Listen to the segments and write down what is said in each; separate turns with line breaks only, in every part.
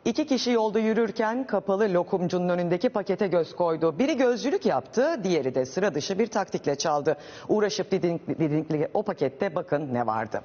İki kişi yolda yürürken kapalı lokumcunun önündeki pakete göz koydu. Biri gözcülük yaptı, diğeri de sıra dışı bir taktikle çaldı. Uğraşıp didikli o pakette bakın ne vardı.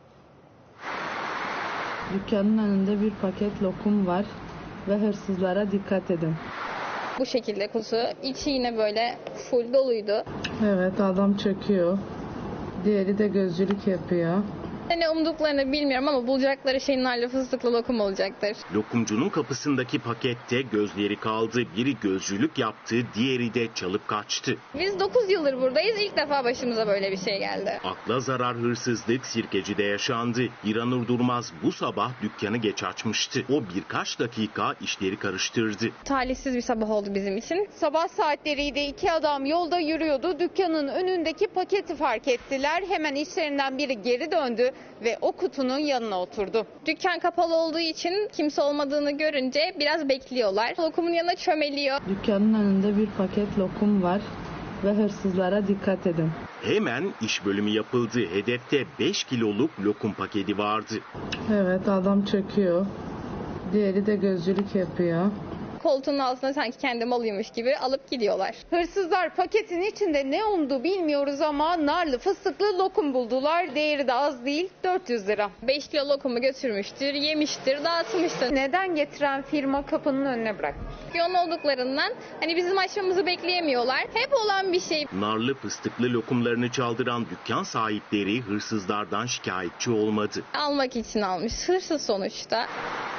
Dükkanın önünde bir paket lokum var ve hırsızlara dikkat edin.
Bu şekilde kutu. İçi yine böyle full doluydu.
Evet, adam çöküyor. Diğeri de gözcülük yapıyor.
Ne umduklarını bilmiyorum ama bulacakları şey narlı fıstıklı lokum olacaktır.
Lokumcunun kapısındaki pakette gözleri kaldı. Biri gözcülük yaptı, diğeri de çalıp kaçtı.
Biz 9 yıldır buradayız. İlk defa başımıza böyle bir şey geldi.
Akla zarar hırsızlık Sirkeci'de yaşandı. İranur Durmaz bu sabah dükkanı geç açmıştı. O birkaç dakika işleri karıştırdı.
Talihsiz bir sabah oldu bizim için.
Sabah saatleriydi, iki adam yolda yürüyordu. Dükkanın önündeki paketi fark ettiler. Hemen işlerinden biri geri döndü ve o kutunun yanına oturdu.
Dükkan kapalı olduğu için kimse olmadığını görünce biraz bekliyorlar. Lokumun yanına çömeliyor.
Dükkanın önünde bir paket lokum var ve hırsızlara dikkat edin.
Hemen iş bölümü yapıldı. Hedefte 5 kiloluk lokum paketi vardı.
Evet, adam çöküyor. Diğeri de gözcülük yapıyor.
Koltuğun altına sanki kendi malıymış gibi alıp gidiyorlar.
Hırsızlar paketin içinde ne umdu bilmiyoruz ama narlı fıstıklı lokum buldular. Değeri de az değil, 400 lira.
5 kilo lokumu götürmüştür, yemiştir, dağıtmıştır.
Neden getiren firma kapının önüne bırakmış?
Yoğun olduklarından hani bizim açmamızı bekleyemiyorlar. Hep olan bir şey.
Narlı fıstıklı lokumlarını çaldıran dükkan sahipleri hırsızlardan şikayetçi olmadı.
Almak için almış. Hırsız sonuçta.